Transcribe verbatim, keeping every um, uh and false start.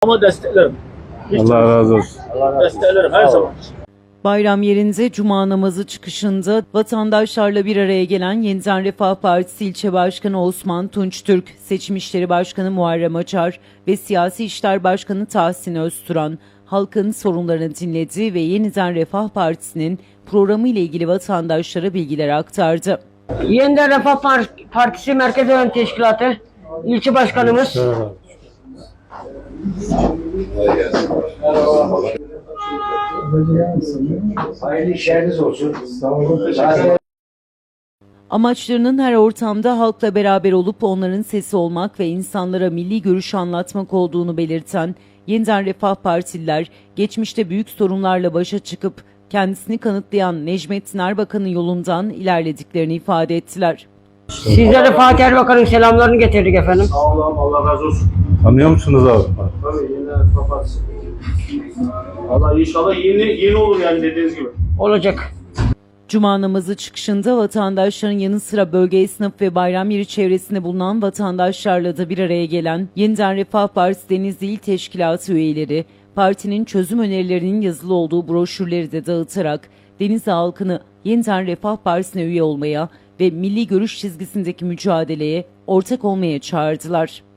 Ama desteklerim. Hiç Allah razı olsun. desteklerim her zaman. Bayram yerinde cuma namazı çıkışında vatandaşlarla bir araya gelen Yeniden Refah Partisi İlçe Başkanı Osman Tunçtürk, Seçim İşleri Başkanı Muharrem Açar ve Siyasi İşler Başkanı Tahsin Özturan, halkın sorunlarını dinledi ve Yeniden Refah Partisi'nin programı ile ilgili vatandaşlara bilgiler aktardı. Yeniden Refah Partisi Merkez Yönetim Teşkilatı İlçe Başkanımız Hayırlı işleriniz olsun. Amaçlarının her ortamda halkla beraber olup onların sesi olmak ve insanlara milli görüşü anlatmak olduğunu belirten Yeniden Refah Partililer, geçmişte büyük sorunlarla başa çıkıp kendisini kanıtlayan Necmettin Erbakan'ın yolundan ilerlediklerini ifade ettiler. sizlere Fatih Erbakan'ın selamlarını getirdik efendim. Sağ olun, Allah razı olsun. Tanıyor musunuz abi? Tabii yine kapatsın. Allah inşallah yeni yeni olur yani dediğiniz gibi. Olacak. Cuma namazı çıkışında vatandaşların yanı sıra bölge esnaf ve bayram yeri çevresinde bulunan vatandaşlarla da bir araya gelen Yeniden Refah Partisi Denizli İl Teşkilatı üyeleri, partinin çözüm önerilerinin yazılı olduğu broşürleri de dağıtarak Denizli halkını Yeniden Refah Partisi'ne üye olmaya ve milli görüş çizgisindeki mücadeleye ortak olmaya çağırdılar.